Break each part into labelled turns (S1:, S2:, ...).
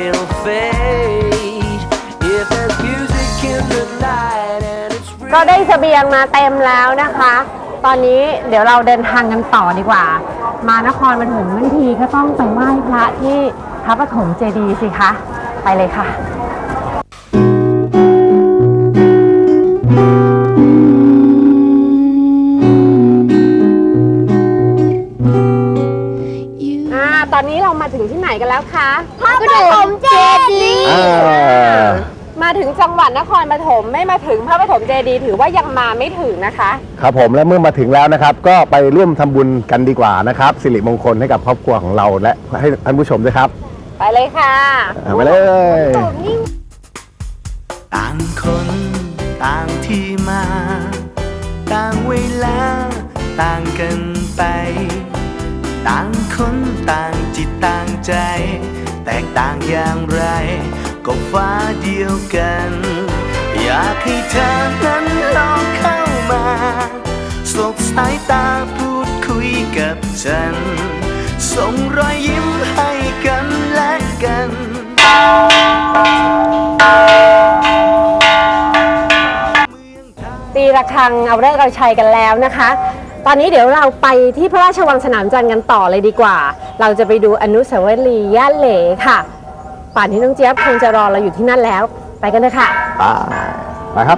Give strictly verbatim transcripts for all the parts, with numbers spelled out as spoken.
S1: it'll fade. If there's music in the night and it's real.
S2: ก็ได้เสบียงมาเต็มแล้วนะคะ ตอนนี้เดี๋ยวเราเดินทางกันต่อดีกว่า มานครปฐมทั้งทีก็ต้องไปไหว้พระที่พระปฐมเจดีย์สิคะไปเลยค่ะตอนนี้เรามาถึงที่ไหนกันแล้วคะพระปฐมเจดีย์มาถึงจังหวัดนครปฐมไม่มาถึงพระปฐมเจดีย์ถือว่ายังมาไม่ถึงนะคะ
S3: ครับผมและเมื่อมาถึงแล้วนะครับก็ไปร่วมทำบุญกันดีกว่านะครับสิริมงคลให้กับครอบครัวของเราและให้ท่านผู้ชมด้วยครับ
S2: ไปเลยค่ะ
S3: ไปเลย
S1: ต่างคนต่างที่มาต่างเวลาต่างกันไปต่างคนต่างจิตต่างใจแตกต่างอย่างไรก็ฟ้าเดียวกันอยากให้เธอนั้นลองเข้ามาสบสายตาพูดคุยกับฉันส่งรอยยิ้มให้กันและกัน
S2: ตีระฆังเอาฤกษ์เอาชัยกันแล้วนะคะตอนนี้เดี๋ยวเราไปที่พระราชวังสนามจันทร์กันต่อเลยดีกว่าเราจะไปดูอนุสาวรีย์ย่าเหลค่ะป่านนี้น้องเจี๊ยบคงจะรอเราอยู่ที่นั่นแล้วไปกันเลยค่ะ
S3: ไปไปครับ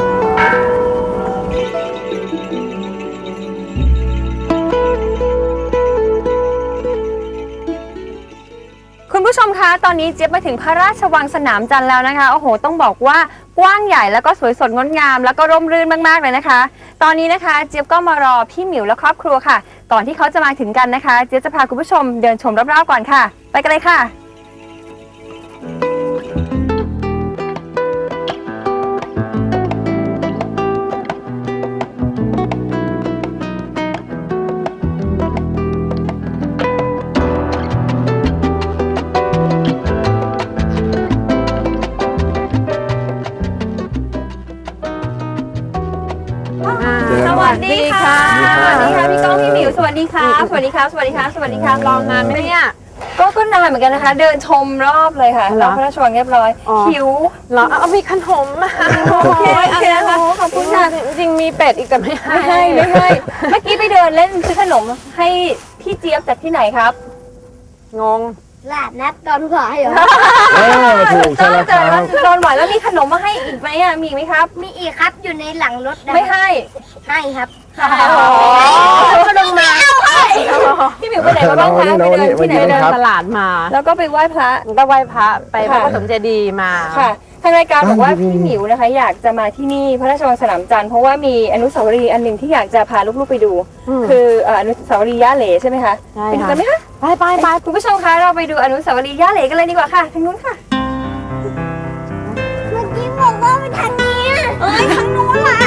S4: คุณผู้ชมคะตอนนี้เจี๊ยบมาถึงพระราชวังสนามจันทร์แล้วนะคะโอ้โหต้องบอกว่ากว้างใหญ่แล้วก็สวยสดงดงามแล้วก็ร่มรื่นมากๆเลยนะคะตอนนี้นะคะเจี๊ยบก็มารอพี่หมิวและครอบครัวค่ะก่อนที่เขาจะมาถึงกันนะคะเจี๊ยบจะพาคุณผู้ชมเดินชมรอบๆก่อนค่ะไปกันเลยค่ะสวัสดีค่ะสวัสดีค่ะพี่ก้องพี่หมิวสวัสดีค่ะสวัสดีครับสวัสดีครับสวัสดีครับรอนานไหมเนี่ยก็ก็นานเหมือนกันนะคะเดินชมรอบเลยค่ะรอบพระราชวังเรียบร้อยหิว
S2: เหรอเอามีขนมมา
S4: โอเคโอเคนะคะขอบคุณค่ะ
S2: จริงมีเป็ดอีกแต่ไม่ให้
S4: ไม่ให้ไม่ให้เมื่อกี้ไปเดินเล่นซื้อขนมให้พี่เจี๊ยบจากที่ไหนครับ
S2: งง
S5: ลาดนัดตอนขวายเหรอ
S3: เออถูกใช่แล้วครับ
S4: ตอนหวานแล้วมีขนมมาให้อีกไหมอ่ะมีไหมครับ
S5: มีอีกครับอยู่ในหลังรถ
S4: ไม่ให้
S5: ให้ครับ
S4: ขนมมาพี่หมิวไปไหนมาบ้างคะไปเดินที่ไหน
S2: เดินตลาดมา
S4: แล้วก็ไปไหว้พระ
S2: ก็ไหว้พระไปพระปฐมเจดีย์มา
S4: ค่ะทางรายการบอกว่าพี่หมิวนะคะอยากจะมาที่นี่พระราชวังสนามจันทร์เพราะว่ามีอนุสาวรีย์อันหนึ่งที่อยากจะพาลูกๆไปดูคืออนุสาวรีย์ย่าเหลใช่ไหมคะไปดูกันไหมคะ
S2: ไปไปไป
S4: คุณผู้ชมคะเราไปดูอนุสาวรีย์ย่าเหลกันเลยดีกว่าค่ะทางนู้นค่ะ
S5: เมื่อกี้บอกว่าไปทางนี้เอ้ยทางนู้นล่ะ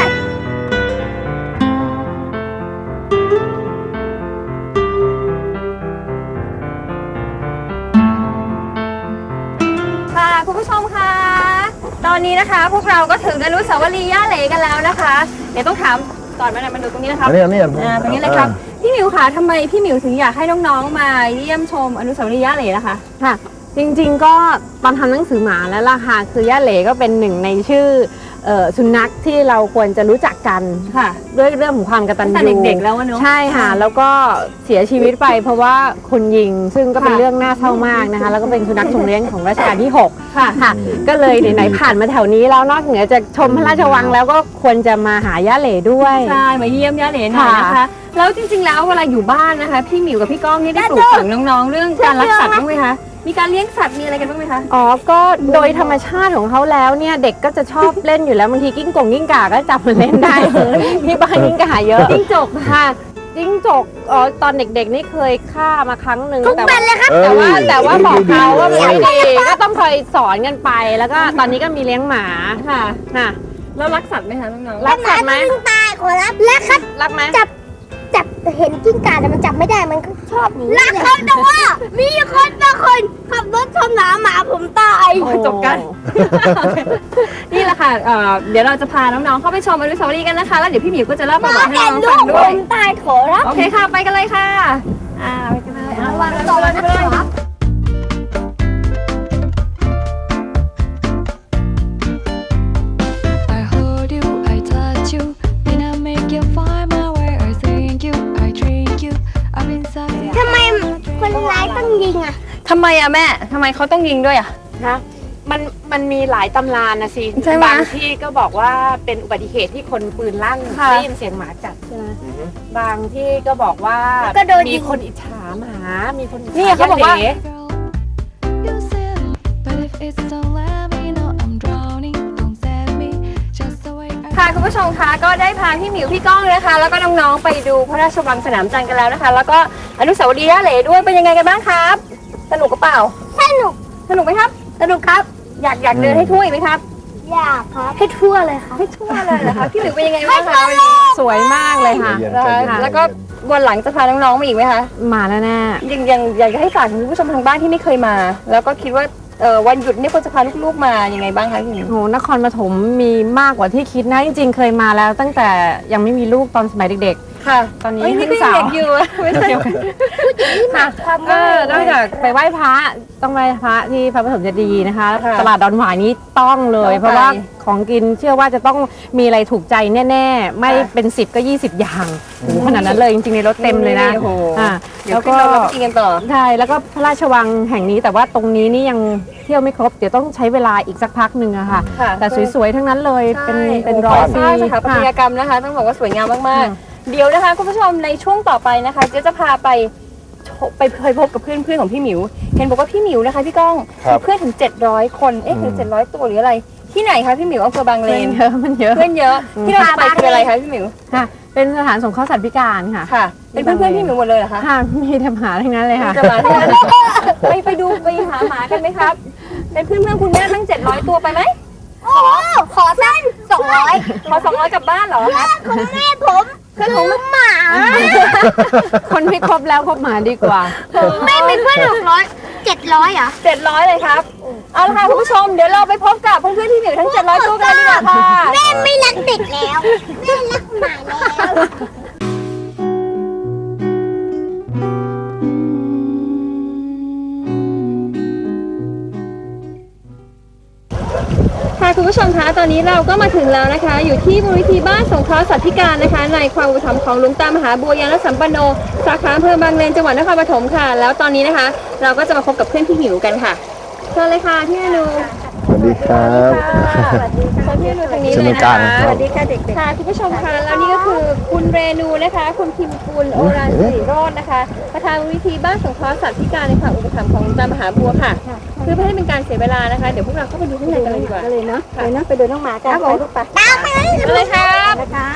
S4: ค่ะคุณผู้ชมคะตอนนี้นะคะพวกเราก็ถึงอนุสาวรีย์ย่าเหลกันแล้วนะคะเดี๋ยวต้องถามก่อนมาหน่อยมาดูตรงนี้นะครับ
S3: นี่นี่
S4: อ่าตรงนี้เลยครับพี่หมิวคะทำไมพี่หมิวถึงอยากให้น้องๆมาเยี่ยมชมอนุสาวรีย์ย่าเหลนะคะ
S2: ค่ะจริงๆก็ตอนทำหนังสือหมาแล้วล่ะค่ะคือย่าเหลก็เป็นหนึ่งในชื่อสุนัขที่เราควรจะรู้จักกัน
S4: ค่ะ
S2: ด้วยเรื่องของความกตัญญู
S4: เด็กๆแล้วเนาะ
S2: ใช่ค่ะแล้วก็เสียชีวิตไปเพราะว่าคนยิงซึ่งก็เป็นเรื่องน่าเศร้ามากนะคะแล้วก็เป็นสุนัขทรงเลี้ยงของรัชกาลที่หก
S4: ค่ะ
S2: ค่ะก็เลยไหนๆผ่านมาแถวนี้แล้วนอกเหนือจากชมพระราชวังแล้วก็ควรจะมาหาย่าเหลด้วย
S4: ใช่มาเยี่ยมย่าเหลหน่อยนะคะแล้วจริงๆแล้วเวลาอยู่บ้านนะคะพี่หมิวกับพี่ก้องนี่ได้ปลูกฝังน้องๆเรื่องการรักสัตว์บ้างไหมคะมีการเลี้ยงสัตว์มีอะไรกันบ้างไหมคะ
S2: อ๋อก็โดยธรรมชาติของเขาแล้วเนี่ยเด็กก็จะชอบเล่นอยู่แล้วบางทีกิ้งก่งกิ้งก่าก็จับมาเล่นได้ที่บ้านกิ้งก่าเยอะ
S4: กิ้งจก
S2: ค่ะกิ้งจกอ๋อตอนเด็กๆนี่เคยฆ่ามาครั้งหนึ่ง
S5: แต่ว่า
S2: แต่ว่าแต่ว่าบอกเขาว่าไม่ดีก็ต้องคอยสอนกันไปแล้วก็ตอนนี้ก็มีเลี้ยงหมา
S4: ค่ะ
S2: ค่ะ
S4: แล้วรักสัตว์ไหมคะน้อง
S2: ๆรักสัตว์ไหม
S5: ตายขอรับรักครับ
S2: รักไหม
S5: จับจับเห็นกิ้งก่าแต่มันจับไม่ได้มันก็ชอบหนีรักเขาแต่ว่ามีคนบางคนขับรถชนหมาหมาผมตาย
S4: จบกันนี่แหละค่ะเดี๋ยวเราจะพาน้องๆเข้าไปชมอนุสาวรีย์กันนะคะแล้วเดี๋ยวพี่หมิวก็จะเล่าประวัติให้น้องฟังด้วย
S5: ผมตายขอรับ
S4: โอเคค่ะไปกันเลยค่ะอ่าไปกันเลย
S5: ระวังตัวนะครั
S4: ไมอะแม่ทำไมเขาต้องยิงด้วยอะ
S2: นะมันมันมีหลายตำรานะสิ
S4: ใช่ไหม
S2: บางที่ก็บอกว่าเป็นอุบัติเหตุที่คนปืนลั่น
S4: ค่ะ
S2: ได้ยินเสียงหมาจัดใช่ไหมบางที่ก็บอกว่า
S5: ก็โดนยิ
S2: มี
S5: ง
S2: คนอิจฉาหมา มีคนอิจฉา
S4: นี่เขาบอกว่า
S2: ย่
S6: You said, but if it's don't let me know I'm drowning, don't save me, just the way I
S4: ค่ะคุณผู้ชมคะก็ได้พาพี่หมิวพี่ก้องนะคะ แล้วก็น้องๆไปดูพระราชวังสนามจันทร์กันแล้วนะคะ แล้วก็อนุสาวรีย์ย่าเหล่ด้วยเป็นยังไงกันบ้างครับ สนุกกับเปล่า
S5: สนุก
S4: สนุกไหมครับ สนุกครับ อยากอยากเดินให้ทั่วอีกไหมครับ
S5: อยากครับ ให้ทั่วเลยครับ
S4: ให้ทั่วเลยเหรอคะพี่หมิวเป็นยังไงบ้างคะวันนี้
S2: สวยมากเลยค่ะ
S3: ใจเย็น
S4: แล้ว
S3: ใจเย็น
S4: แล้วก็วันหลังจะพาน้องๆมาอีกไหมคะ
S2: มาแน่แน่
S4: ยังยังอยากจะให้ฝากถึงคุณผู้ชมทางบ้านที่ไม่เคยมา แล้วก็คิดว่าเออวันหยุดนี่ควรจะพาลูกๆมายังไงบ้างคะพี่หมิว
S2: โหนครปฐมมีมากกว่าที่คิดนะ จริงๆ เคยมาแล้วตั้งแต่ยังไม่มีลูกตอนสมัยเด็ก
S4: ค่ะ
S2: ตอนนี้
S4: เอ้ยนี่
S2: เพิ่
S4: ก็
S2: ง
S4: ยัง
S2: สาว
S4: เด็กอยู่อะไม่ใช่ค่ะ
S2: ๆเออนอกจากไปไหว้พระต้องไหว้พระที่พระปฐมเจดีย์นะคะ
S4: ค่ะ
S2: ตลาดดอนหวายนี้ต้องเลย
S4: ต้องไป
S2: เพราะว่าของกินเชื่อว่าจะต้องมีอะไรถูกใจแน่ ๆ ไม่เป็นสิบก็ยี่สิบอย่างโอ้โหขนาดนั้นเลยจริงๆในรถเต็มเลยนะ
S4: โอ้โห
S2: อ่า
S4: เดี๋ยวขึ้นเราเราไปกินกันต่อ
S2: ใช่แล้วก็พระราชวังแห่งนี้แต่ว่าตรงนี้นี่ยังเที่ยวไม่ครบเดี๋ยวต้องใช้เวลาอีกสักพักหนึ่งอะค่ะ
S4: ค่ะ
S2: แต่สวยๆทั้งนั้นเลยเป็น
S4: ใช่
S2: เป็นร้อยปี
S4: ใช่สถาปัตยกรรมนะคะ ต้องบอกว่าสวยงามมากๆ เดี๋ยวนะคะคุณผู้ชมในช่วงต่อไปนะคะเจ๊จะพาไปชไปเคยพบกับเพื่อนเพื่อนๆของพี่หมิว เห็นบอกว่าพี่หมิวนะคะพี่ก้อง
S3: ครับ
S4: มีเพื่อนถึงเจ็ดร้อยคนเอ๊ะถึงเจ็ดร้อยตัวหรืออะไร ที่ไหนคะพี่หมิวอำเภอบางเล
S2: เพื่อน
S4: น
S2: เยอะมันเยอะ
S4: เพื่อนเยอะที่เราจะไปคืออะไรคะพี่หมิว
S2: ค่ะ เป็นสถานสงเคราะห์สัตว์พิการค่ะ
S4: ค่ะ เป็นเพื่อนเพื่อนๆพี่หมิวหมดเลยเหรอคะ
S2: ค่ะมีแต่หมาทั้งนั้นเลยค่ะ
S4: จะมาที่นั่นไปไปดูไปหาหมากันไหมครับ เป็นเพื่อนเพื่อนๆคุณแม่ทั้งเจ็ดร้อยตัวไปไหม
S5: โอ้ขอสั้นสองร้อย
S4: ขอสองร้อยกลับบ้านเหรอ
S5: ของแม่ผมคือหมา
S2: คนไม่ครบแล้วครบหมาดีกว่า
S5: แม่เป็นเพื่อนหกร้อยเจ็ดร้อยอ่ะ
S4: เจ็ดร้อยเลยครับ เอาละค่ะคุณผู้ชม เดี๋ยวเราไปพบกับเพื่อนๆที่อยู่ทั้งเจ็ดร้อยตัวกันดีกว่าค่ะ
S5: แม่ไม่รักเด็กแล้ว แม่รักหมาแล้ว
S4: ค่ะคุณผู้ชมคะ ตอนนี้เราก็มาถึงแล้วนะคะ อยู่ที่มูลนิธิบ้านสงเคราะห์สัตว์พิการนะคะ ในความอุปถัมภ์ของหลวงตามหาบัวยานสัมปันโน สาขาอำเภอบางเลนจังหวัดนครปฐมค่ะ แล้วตอนนี้นะคะ เราก็จะมาพบกับเพื่อนพี่หมิวกันค่ะเชิญเลยค่ะพี่อนุ
S3: สวัสดีครับ
S4: สวัสดีค่ะพี่อนุทางนี้
S3: เชิญ
S4: เล
S3: ตร
S4: ย
S3: ง
S4: นะ
S3: กลาง
S4: คะ
S3: ครับ
S4: สวัสดีค่ะเด็กๆค่ะคุณผู้ชมคะแล้วนี่ก็คือคุณเรนูนะคะ คุณพิมกุลโอรานสิริโรจน์นะคะ ประธานมูลนิธิบ้านสงเคราะห์สัตว์พิการในความอุปถัมภ์ของหลวงตามหาบัวค่ะ เพื่อไม่ให้เป็นการเสียเวลานะคะ เดี๋ยวพวกเราเข้าไปดูข้างในกันเลยดีกว่าเลยเนาะเลยเนาะไปดูน้องหมากันไปลูกไป
S5: ตามไปเลย
S4: เลยครับ
S5: นะครับ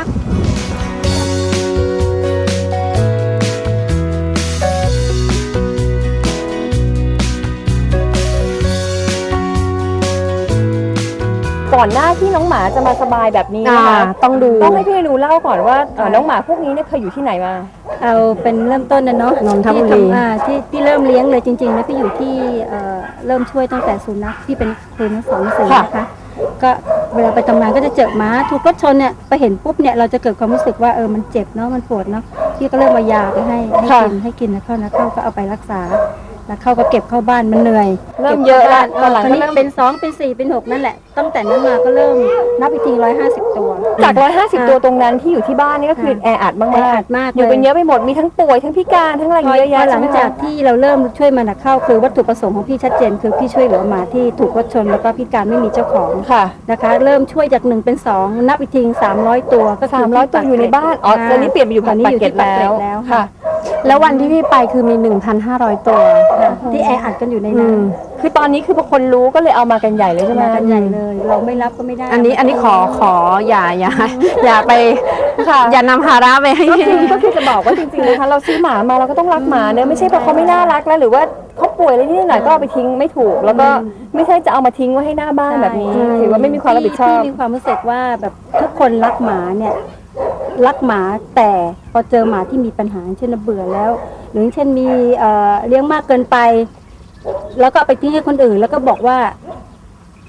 S4: ก่อนหน้าที่น้องหมาจะมาสบายแบบนี้นะคะ
S2: อ่าต้องดู
S4: ต้องให้พี่อนูเล่าก่อนว่าเอ่อน้องหมาพวกนี้เนี่ยเคยอยู่ที่ไหนมา
S7: เอาเป็นเริ่มต้นนะเนาะ
S2: นนทบุรี
S7: ที่ทำอ่าที่ที่เริ่มเลี้ยงเลยจริงๆแล้วพี่อยู่ที่เอ่อเริ่มช่วยตั้งแต่สุนัขที่เป็นครูนักสอนหนังสือนะคะ ก็เวลาไปทำงานก็จะเจอหมาถูกรถชนเนี่ยไปเห็นปุ๊บเนี่ยเราจะเกิดความรู้สึกว่าเออมันเจ็บเนาะมันปวดเนาะพี่ก็เริ่มมายาไปให้ให้กินให้กินนะเข้านะเข้าก็เอาไปรักษาแล้วเข้าก็เก็บเข้าบ้านมันเหนื่อย
S4: เริ่มเยอะละตอนหลัง
S7: ตอน
S4: ก็
S7: นี้
S4: เริ่ม
S7: เป็นสองเป็นสี่เป็นหกนั่นแหละตั้งแต่นั้นมาก็เริ่มนับอีกทีร้อยห้าสิบตัว
S4: จากร้อยห้าสิบตัวตรงนั้นที่อยู่ที่บ้านนี่ก็คือแออัดมาก
S7: แออัดมาก
S4: อยู่
S7: เลย
S4: เป็นเยอะไปหมดมีทั้งป่วยทั้งพิการทั้งอะไร
S7: พอ
S4: เยอะแยะ
S7: พอหลัง
S4: ใช่ไมคะ
S7: จากที่เราเริ่มช่วยมันอะเข้าคือวัตถุประสงค์ของพี่ชัดเจน คือพี่ช่วยเหลือหมาที่ถูกรถชนแล้วก็พิการไม่มีเจ้าของ
S4: ค่ะ
S7: นะคะ เริ่มช่วยจากหนึ่งเป็นสองนับอีกทีสามร้อยตัวก็คื
S4: สามร้อยตัวอยู่ในบ้านอ๋อตอนนี้เปลี่ยนไปอยู่
S7: ตอนนี้
S4: ปาก
S7: อยู่
S4: เกร็
S7: ที่
S4: ด
S7: ปากเกร็ด
S4: แล้ว
S7: แล้ว
S4: ค่ะ
S7: ค่ะ
S2: แล้ววันที่พี่ไปคือมี หนึ่งพันห้าร้อย ตัว
S7: ที่แออัดกันอยู่ใน
S2: อื
S7: นั้น
S2: ม
S4: คือตอนนี้คือพอคนรู้ก็เลยเอามากันใหญ่เลยใช่ไหม
S7: มากันใหญ่เลย เราไม่รับก็ไม่ได้
S2: อันนี้อันนี้ขอขออย่าอย่าอย่าไป
S4: ค่ะ
S2: อย่านำภาระไปให้
S4: ก็คือก็คือจะบอกว่าจริงๆนะคะเราซื้อหมามาเราก็ต้องรักหมาเนอะไม่ใช่เพราะเขาไม่น่ารักแล้วหรือว่าเขาป่วยอะไรนิดหน่อยก็เอาไปทิ้งไม่ถูก แล้วก็ไม่ใช่จะเอามาทิ้งไว้ให้หน้าบ้านแบบนี้
S7: ใช่
S4: ถือว่าไม่มีความรับผิดชอบ
S7: พี่มีความรู้สึกว่าแบบทุกคนรักหมาเนี่ยรักหมาแต่พอเจอหมาที่มีปัญหาเช่นเบื่อแล้ว หรือเช่นมีเอ่อเลี้ยงมากเกินไป แล้วก็เอาไปทิ้งให้คนอื่น แล้วก็บอกว่า ช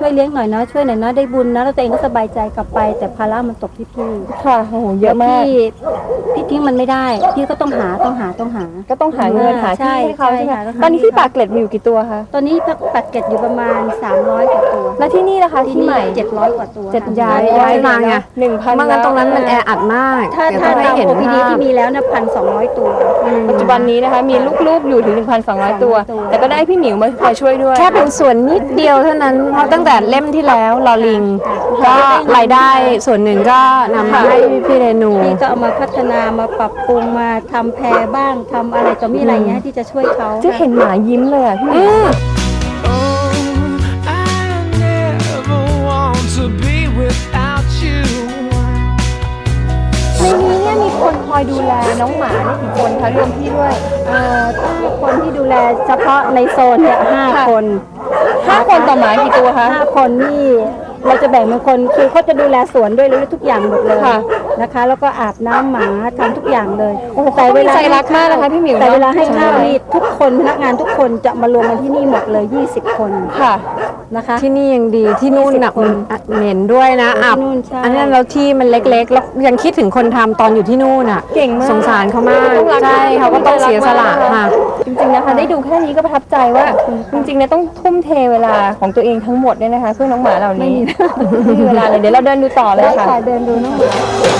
S7: ช่วยเลี้ยงหน่อยนะช่วยหน่อยนะได้บุญนะแล้วตัวเองก็สบายใจกลับไป แต่ภาระมันตกที่พี่
S4: ค่ะโอ้โหเยอะมาก
S7: พี่พี่ทิ้งมันไม่ได้พี่ก็ต้องหาต้องหาต้องหา
S4: ก็ต้องหาเงินหาที่ให้เขาใช่ไหม
S7: ใช่ค่ะ
S4: ตอนนี้ที่ปากเกร็ดมีอยู่กี่ตัวคะ
S7: ตอนนี้ปักเก็ตอยู่ประมาณสามร้อยกว่าตัว
S4: แล้วที่นี่ล่ะคะที่ใหม่
S7: เจ็ดร้อยกว่าตัว
S4: เจ็ด
S7: ค่ะ
S4: ย้าย
S2: ย้ายมาไง
S4: หนึ่งพัน
S2: ไมางั้นตรงนั้นมันแออัดมาก
S7: ถ้า
S2: เดี๋ยว
S7: ถ้า
S2: ต้องให้
S7: ตาม
S2: เห็น
S7: โอ พี ดี
S2: ภาพ
S7: ที่มีแล้วนะพันสองร้อยตัว
S4: ปัจจุบันนี้นะคะมีลูกๆอยู่ถึง หนึ่งพันสองร้อย ตัว
S7: ตัว
S4: แต่ก็ได้พี่หมิวมาคอยช่วยด้วย
S2: แค่เป็นส่วนนิดเดียวเท่านั้น เพราะตั้งแต่เล่มที่แล้วลอลิงก็รายได้ส่วนหนึ่งก็นำมาให้พี่เรนู
S7: พี่ก็เอามาพัฒนามาปรับปรุงมาทำแพรบ้างทำอะไรต่อมีอะไรเงี้ยที่จะช่วยเขา
S4: จะเห็นหมายิ้มเลยอ่ะพี่หมิว
S1: I never want to be without you.
S4: ในนี้เนี่ยมีคนคอยดูแลน้องหมาเนี่ยกี่คนคะรวมพี่ด้วย
S7: เอ่อถ้าคนที่ดูแลเฉพาะในโซนเนี่ยห้า
S4: ค่ะ
S7: คน
S4: ห้าคนต่อหมากี่ตัวคะ
S7: ห้าคนนี่เราจะแบ่งเป็นคนคือเขาจะดูแลสวนด้วยแล้วทุกอย่างหมดเลย
S4: ค่ะ
S7: นะคะ แล้วก็อาบน้ำหมาทำทุกอย่างเลย
S4: โอ้โหเขามีใจรักมากนะคะพี่หมิว
S7: แต่
S4: เนอะ
S7: เวลาให้ข้าวนี่ทุกคนพนักงานทุกคนจะมารวมกันที่นี่หมดเลยยี่สิบคน
S4: ค่ะ
S7: นะคะ
S2: ที่นี่ยังดีที่นู่นหนัก
S7: คน
S2: เหม็นด้วยนะ
S7: ที่
S2: อับ
S7: นู่นใช่
S2: อันนั้นเราที่มันเล็กๆ แล้วยังคิดถึงคนทำตอนอยู่ที่นู่นอ่ะ
S4: เก่งมาก
S2: สงสารเขามาก
S4: ต้องรัก
S2: ใช่เขาก็ต้องเสียสละค่ะ
S4: จริงๆนะคะได้ดูแค่นี้ก็ประทับใจว่าจริงๆเนี่ยต้องทุ่มเทเวลาของตัวเองทั้งหมดเนี่ยนะคะเพื่อน้องหมาเหล่านี้ไม่มีเวลาเลยเดี๋ยวเราเดินดูต่อเลย
S7: ได้
S4: ค่ะ
S7: ค่ะเดินดูน้องหมา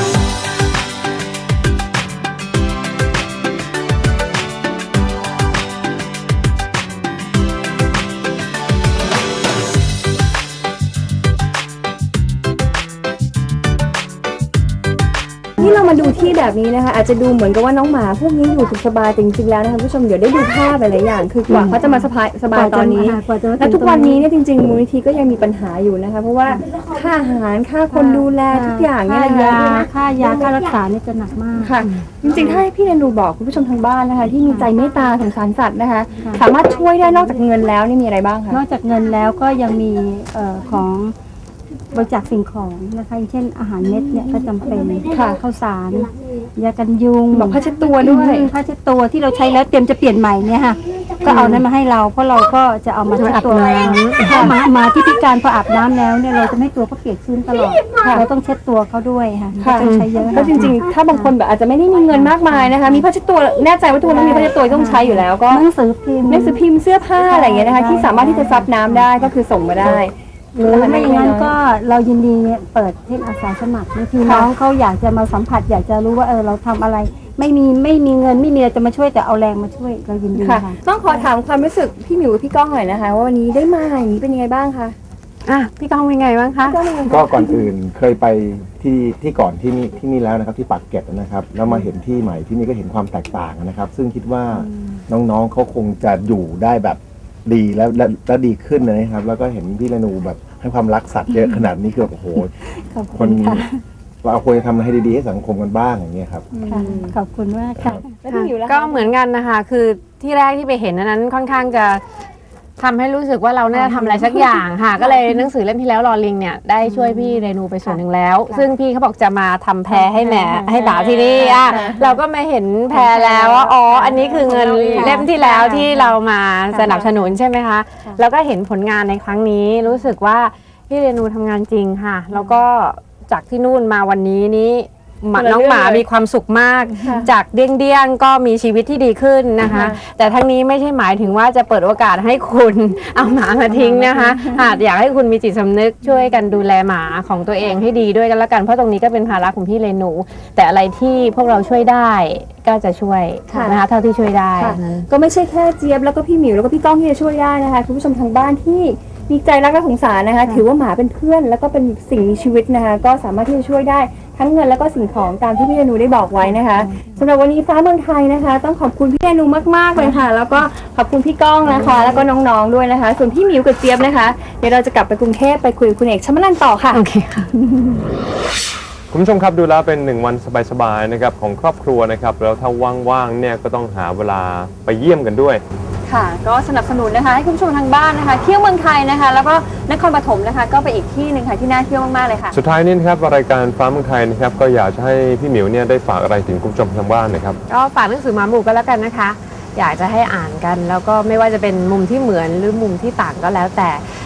S4: นี่เรามาดูที่แบบนี้นะคะ อาจจะดูเหมือนกับว่าน้องหมาพวกนี้อยู่สุขสบายแต่จริงๆแล้วนะคะคุณผู้ชมเดี๋ยวได้ดูภาพหลายๆอย่าง คือกว่าเขาจะมาสบายสบายตอนนี้
S7: กว่าจะมา
S4: และทุกวันนี้เนี่ยจริงๆมูลนิธิก็ยังมีปัญหาอยู่นะคะ เพราะว่าค่าอาหารค่าคนดูแลทุกอย่างเนี่ย
S7: ค่า
S4: นะคะ
S7: ยาค่ายาค่ารักษาเนี่ยจะหนักมาก
S4: ค่ะ จริงๆถ้าให้พี่เรนูบอกคุณผู้ชมทางบ้านนะคะ ที่มีใจเมตตาสงสารสัตว์นะคะ
S7: ค่ะ
S4: สามารถช่วยได้นอกจากเงินแล้วนี่มีอะไรบ้างคะ
S7: นอกจากเงินแล้วก็ยังมีเอ่อของบริจาคสิ่งของนะคะอย่างเช่นอาหารเม็ดเนี่ยก็จำเป็น
S4: ค่ะ
S7: ข้าวสารยากันยุง
S4: บอกผ้าเช็ดตัวด้วย
S7: อืมผ้าเช็ดตัวที่เราใช้แล้วเตรียมจะเปลี่ยนใหม่เนี่ยค่ะก็เอานั้นมาให้เราเพราะเราก็จะเอามาเช็ดตัว
S2: อาบน้ำ
S7: ถ้าหมาหมาที่พิการพออาบน้ำแล้วเนี่ยเราจะไม่ให้ตัวเขาเปียกชื้นตลอดเราต้องเช็ดตัวเขาด้วยค่ะ
S4: ค่ะ
S7: ต้องใช้เยอะ
S4: แล้วจริงๆ ถ้าบางคนแบบอาจจะไม่ได้มีเงินมากมายนะคะ มีผ้าเช็ดตัวแน่ใจว่าทุกคนต้องมีผ้าเช็ดตัวที่ต้องใช้อยู่แล้วก็
S7: หนังสือพิมพ์
S4: หนังสือพิมพ์เสื้อผ้าอะไรอย่างเงี้ยนะคะ ที่สามารถที่จะซับน้ำได้ก็คือส่งมาได้
S7: หรือไม่อย่างนั้นก็เรายินดีเปิดเทศอาสาสมัครบางทีน้องเขาอยากจะมาสัมผัส อยากจะรู้ว่าเออเราทำอะไร ไม่มีไม่มีเงินไม่มีอะไรจะมาช่วยแต่เอาแรงมาช่วยเรายินดี
S4: ค่ะ
S7: ค่ะ
S4: ต้องขอถามความรู้สึกพี่หมิวกับพี่ก้องหน่อยนะคะ ว่าวันนี้ได้มาอย่างนี้เป็นยังไงบ้างคะ
S2: อ่ะพี่ก้องเป็นไงบ้างคะ
S4: พี่ก้องเป็นยังไง
S3: ก็
S4: บ้าง
S3: ก่อนอื่นเคยไปที่ที่ก่อนที่นี่ที่นี่แล้วนะครับที่ปากเกร็ดนะครับแล้วมาเห็นที่ใหม่ที่นี่ก็เห็นความแตกต่างนะครับ ซึ่งคิดว่าน้องๆเขาคงจะอยู่ได้แบบดีแล้วและและดีขึ้นนะครับ แล้วก็เห็นพี่เรนูแบบให้ความรักสัตว์เยอะขนาดนี้คือแบบโอ้โห
S7: ขอบ
S3: ค
S7: คุ
S3: น
S7: ณค่ะ
S3: เราควรจะทำอะไรให้ดีๆให้สังคมกันบ้างอย่างเงี้ยครับ
S7: ค่ะขอบคุณมากค่ะ
S4: แล้วพี่หมิวล่ะคะ
S2: ก็เหมือนกันนะคะ คือที่แรกที่ไปเห็นอันนั้นค่อนข้างจะทำให้รู้สึกว่าเราน่าจะทำอะไรสักอย่างค่ะ ก็เลยหนังสือเล่มที่แล้วรอลิงเนี่ยได้ช่วยพี่เรนูไปส่วนหนึ่งแล้ว ซึ่งพี่เขาบอกจะมาทำแพรให้แหมให้บ่าวที่นี่อ่ะเราก็มาเห็นแพรแล้วว่าอ๋ออันนี้คือเงินเล่มที่แล้วที่เรามาสนับสนุนใช่ไหมคะแล้วก็เห็นผลงานในครั้งนี้รู้สึกว่าพี่เรนูทำงานจริงค่ะ แล้วก็จากที่นู่นมาวันนี้นี้หมา
S4: คนละ
S2: น้องหมา
S4: เรื่องเลย
S2: มีความสุขมาก
S4: ค่ะ
S2: จากเดี้ยงๆก็มีชีวิตที่ดีขึ้นนะคะ
S4: ค่ะ
S2: แต่ทั้งนี้ไม่ใช่หมายถึงว่าจะเปิดโอกาสให้คุณ เอาหมามาทิ้งนะคะอาจอยากให้คุณมีจิตสำนึกช่วยกันดูแลหมาของตัวเองให้ดีด้วยกันละกันเพราะตรงนี้ก็เป็นภาระของพี่เรนู แต่อะไรที่พวกเราช่วยได้ก็จะช่วยนะคะเท่าที่ช่วยได้
S4: ค่ะก็ไม่ใช่แค่เจี๊ยบแล้วก็พี่หมิวแล้วก็พี่ก้องที่จะช่วยได้นะคะคุณผู้ชมทางบ้านที่มีใจรักและสงสารนะคะ ถือว่าหมาเป็นเพื่อนแล้วก็เป็นสิ่งมีชีวิตนะคะ ก็สามารถที่จะช่วยได้ทั้งเงินแล้วก็สิ่งของตามที่พี่เรนูได้บอกไว้นะคะสำหรับวันนี้ฟ้าเมืองไทยนะคะ ต้องขอบคุณพี่เรนูมากๆเลยค่ะ แล้วก็ขอบคุณพี่ก้องนะคะ แล้วก็น้องๆด้วยนะคะ ส่วนพี่หมิวกับเจี๊ยบนะคะเดี๋ยวเราจะกลับไปกรุงเทพไปคุยกับคุณเอกชมนันท์ต่อค่ะ
S2: โอเคค่ะ
S8: คุณผู้ชมครับดูแล้วเป็นหนึ่งวันสบายๆนะครับของครอบครัวนะครับแล้วถ้าว่างๆเนี่ยก็ต้องหาเวลาไปเยี่ยมกันด้วย
S4: ค่ะก็สนับสนุนนะคะให้คุณผู้ชมทางบ้านนะคะเที่ยวเมืองไทยนะคะ แล้วก็นครปฐมนะคะก็ไปอีกที่หนึ่งค่ะที่น่าเที่ยวมากๆเลยค่ะ
S8: สุดท้ายนี้นะครับรายการฟ้าเมืองไทยนะครับก็อยากจะให้พี่หมิวเนี่ยได้ฝากอะไรถึงคุณผู้ชมทางบ้านนะครับ
S2: ก็ฝากหนังสือหมาหมู่ก็แล้วกันนะคะ อยากจะให้อ่านกัน แล้วก็ไม่ว่าจะเป็นมุมที่เหมือนหรือมุมที่ต่างก็แล้วแต่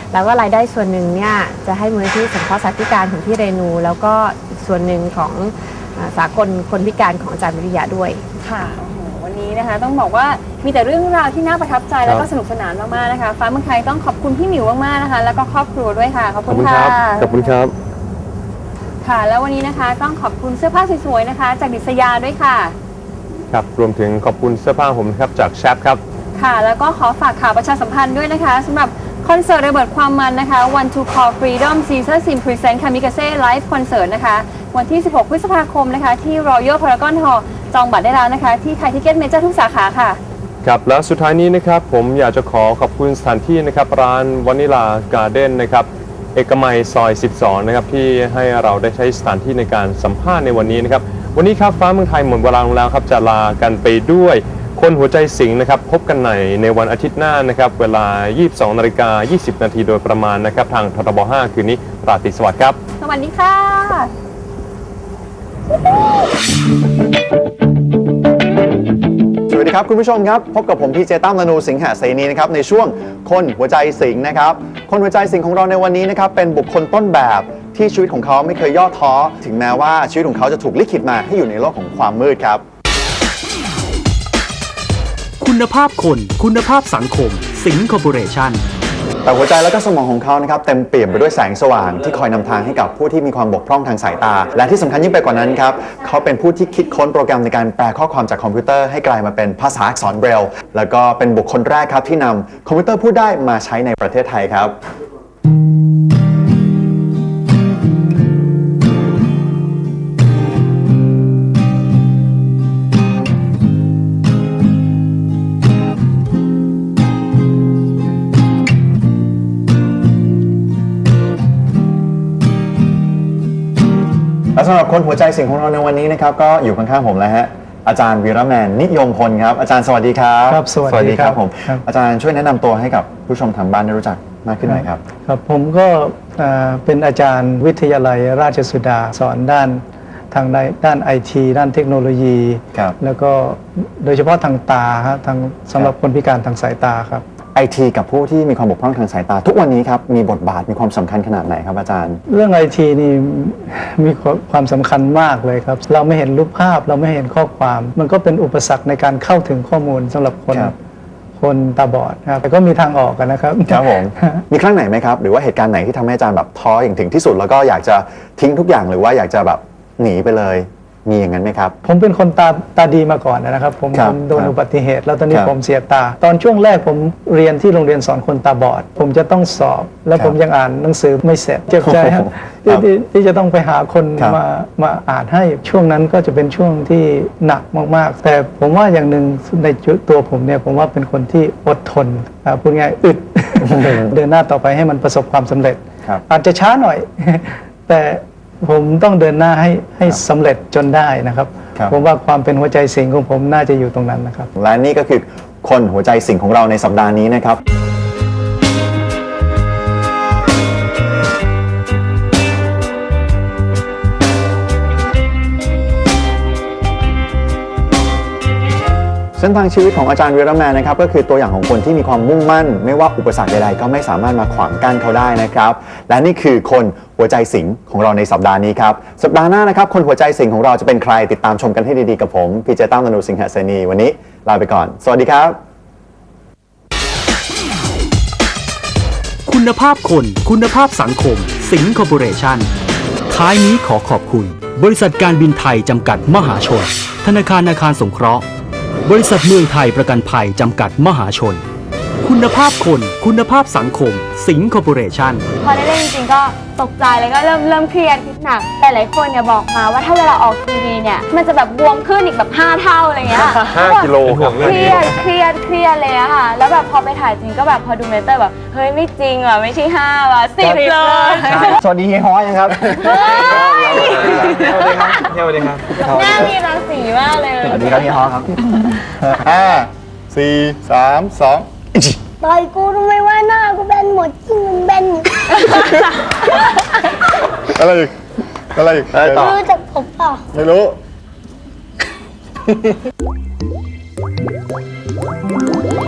S2: แล้วก็รายได้ส่วนหนึ่งเนี่ยจะให้มูลนิธิสงเคราะห์สัตว์พิการของที่เรนู แล้วก็อีกส่วนหนึ่งของอ่าสากลคนพิการของอาจารย์วิริยะด้วย
S4: ค่ะโอ้โหวันนี้นะคะต้องบอกว่ามีแต่เรื่องราวที่น่าประทับใจแล้วก็สนุกสนานมากๆนะคะฟ้าเมืองไทยต้องขอบคุณพี่หมิวมากๆนะคะแล้วก็ครอบครัวด้วยค่ะขอบ
S8: ขอบ
S4: คุณ
S8: คุณค
S4: ค่ะ
S8: รับขอบคุณครับ
S4: ค่ะ แล้ววันนี้นะคะต้องขอบคุณเสื้อผ้าสวยๆนะคะ จากดิษยาด้วยค่ะ
S8: ครับรวมถึงขอบคุณเสื้อผ้าผมนะครับจากแชปครับ
S4: ค่ะ แล้วก็ขอฝากข่าวประชาสัมพันธ์ด้วยนะคะสำหรับคอนเสิร์ตระเบิดความมันนะคะ One to Call Freedom Caesar Sim Present Kamikaze Live Concert นะคะวันที่ สิบหก พฤษภาคมนะคะที่ Royal Paragon Hall จองบัตรได้แล้วนะคะที่ไทยทิเก็ตเมเจอร์ทุกสาขาค่ะ
S8: ครับแล้วสุดท้ายนี้นะครับผมอยากจะขอขอบคุณสถานที่นะครับร้านวานิลาการ์เด้นนะครับเอกมัยซอยสิบสองนะครับที่ให้เราได้ใช้สถานที่ในการสัมภาษณ์ในวันนี้นะครับวันนี้ครับฟ้าเมืองไทยหมดเวลาลงแล้วครับจะลากันไปด้วยคนหัวใจสิงห์นะครับพบกันในในวันอาทิตย์หน้านะครับเวลา ยี่สิบสองนาฬิกายี่สิบนาทีโดยประมาณนะครับทางททบห้าคืนนี้ราตรีสวัสดิ์ครับ
S4: สวัสดีค่ะ
S9: สวัสดีครับคุณผู้ชมครับพบกับผมพี่เจตั้ม ลนูสิงหเสนีนะครับในช่วงคนหัวใจสิงห์นะครับคนหัวใจสิงห์ของเราในวันนี้นะครับเป็นบุคคลต้นแบบที่ชีวิตของเขาไม่เคยย่อท้อถึงแม้ว่าชีวิตของเขาจะถูกลิขิตมาให้อยู่ในโลกของความมืดครับ
S10: คุณภาพคนคุณภาพสังคมสิงห์คอร์ปอเรชั่น
S9: แต่หัวใจและก็สมองของเขานะครับเต็มเปี่ยมไปด้วยแสงสว่างที่คอยนำทางให้กับผู้ที่มีความบกพร่องทางสายตาและที่สำคัญยิ่งไปกว่านั้นครับเขาเป็นผู้ที่คิดค้นโปรแกรมในการแปลข้อความจากคอมพิวเตอร์ให้กลายมาเป็นภาษาอักษรเบรลล์แล้วก็เป็นบุคคลแรกครับที่นำคอมพิวเตอร์พูดได้มาใช้ในประเทศไทยครับ และสำหรับคนหัวใจสิงห์ของเราในวันนี้นะครับก็อยู่ข้างๆผมแล้วฮะอาจารย์วีระแมนนิยมพลครับอาจารย์สวัสดีครับ
S11: ครับสวัสดีครับ
S9: ผม
S11: ครับ
S9: อาจารย์ช่วยแนะนำตัวให้กับผู้ชมทางบ้านได้รู้จักมากขึ้นหน่อยครับ
S11: ครับผมก็เอ่อเป็นอาจารย์วิทยาลัยราชสุดาสอนด้านทางด้านไอทีด้านเทคโนโลยี
S9: ครับ
S11: แล้วก็โดยเฉพาะทางตาฮะทางสำหรับคนพิการทางสายตาครับ
S9: ไอทีกับผู้ที่มีความบกพร่องทางสายตา ทุกวันนี้ครับมีบทบาทมีความสำคัญขนาดไหนครับอาจารย์
S11: เรื่องไอทีนี่มีความสำคัญมากเลยครับ เราไม่เห็นรูปภาพเราไม่เห็นข้อความ มันก็เป็นอุปสรรคในการเข้าถึงข้อมูลสำหรับคน
S9: ครับ
S11: คนตาบอดครับแต่ก็มีทางออกกันนะครับ
S9: ครับผมมีครั้งไหนไหมครับหรือว่าเหตุการณ์ไหนที่ทำให้อาจารย์แบบท้ออย่างถึงที่สุดแล้วก็อยากจะทิ้งทุกอย่างหรือว่าอยากจะแบบหนีไปเลยมีอย่างนั้นไหมครับ
S11: ผมเป็นคนตาตาดีมาก่อนนะครับ ผม
S9: ครับ
S11: ผมโดน
S9: ครับ
S11: อุบัติเหตุ แล้วตอนนี้
S9: ครับ
S11: ผมเสียตา ตอนช่วงแรกผมเรียนที่โรงเรียนสอนคนตาบอด ผมจะต้องสอบ แล้ว
S9: ครับ
S11: ผมยังอ่านหนังสือไม่เสร็จเจ็บใจครับ
S9: ครั
S11: ที่
S9: บ
S11: ที่ที่จะต้องไปหาคน
S9: ครับ
S11: มามาอ่านให้ช่วงนั้นก็จะเป็นช่วงที่หนักมากๆ แต่ผมว่าอย่างหนึ่งในตัวผมเนี่ยผมว่าเป็นคนที่อดทนอ่าพูดง่ายอึด เดินหน้าต่อไปให้มันประสบความสำเร็จ
S9: ครับ
S11: อาจจะช้าหน่อย แต่ผมต้องเดินหน้าให้ให้สำเร็จจนได้นะครับ
S9: ครับ
S11: ผมว่าความเป็นหัวใจสิงห์ของผมน่าจะอยู่ตรงนั้นนะครับ
S9: และนี่ก็คือคนหัวใจสิงห์ของเราในสัปดาห์นี้นะครับ เส้นทางชีวิตของอาจารย์วีระแมนนะครับก็คือตัวอย่างของคนที่มีความมุ่งมั่น ไม่ว่าอุปสรรคใดๆก็ไม่สามารถมาขวางกั้นเขาได้นะครับและนี่คือคนหัวใจสิงห์ของเราในสัปดาห์นี้ครับสัปดาห์หน้านะครับคนหัวใจสิงห์ของเราจะเป็นใครติดตามชมกันให้ดีๆกับผมพี่เจตั้ม ลนูสิงหเสนีวันนี้ลาไปก่อนสวัสดีครับ
S10: คุณภาพคนคุณภาพสังคมสิงห์คอร์ปอเรชั่นท้ายนี้ขอขอบคุณ บริษัทการบินไทยจำกัดมหาชน ธนาคารอาคารสงเคราะห์บริษัทเมืองไทยประกันภัยจำกัดมหาชน คุณภาพคนคุณภาพสังคมสิงห์คอร์ปอเรชั่น
S5: พอได้เล่นจริงๆก็ตกใจแล้วก็เริ่มเริ่มเครียดคิดหนักแต่หลายคนเนี่ยบอกมาว่าถ้าเวลาออกทีวีเนี่ยมันจะแบบบวมขึ้นอีกแบบห้าเท่าอะไรเงี้ย
S8: ห้ากิโลครับ
S5: เครียดเครียดเครียดเลยอะค่ะแล้วแบบพอไปถ่ายจริงก็แบบพอดูเมเตอร์แบบเฮ้ยไม่จริงว่ะไม่ใช่ห้าว่ะสิบเลย
S9: สวัสดีเฮียฮ้อยังครับ
S8: สวัสดีครับ
S5: หน้ามีรังสีมากเลย
S9: สวัสดีครับเฮียฮ้อครับห้าสี่สามสอง
S5: ต่อยกูทำไมว่าหน้ากูแบนหมดจริงมันแบน
S9: อะไรอีกอะไรอีกอะไรต่อ
S5: รู้จักผมเปล่า
S9: ไม่รู้
S5: เ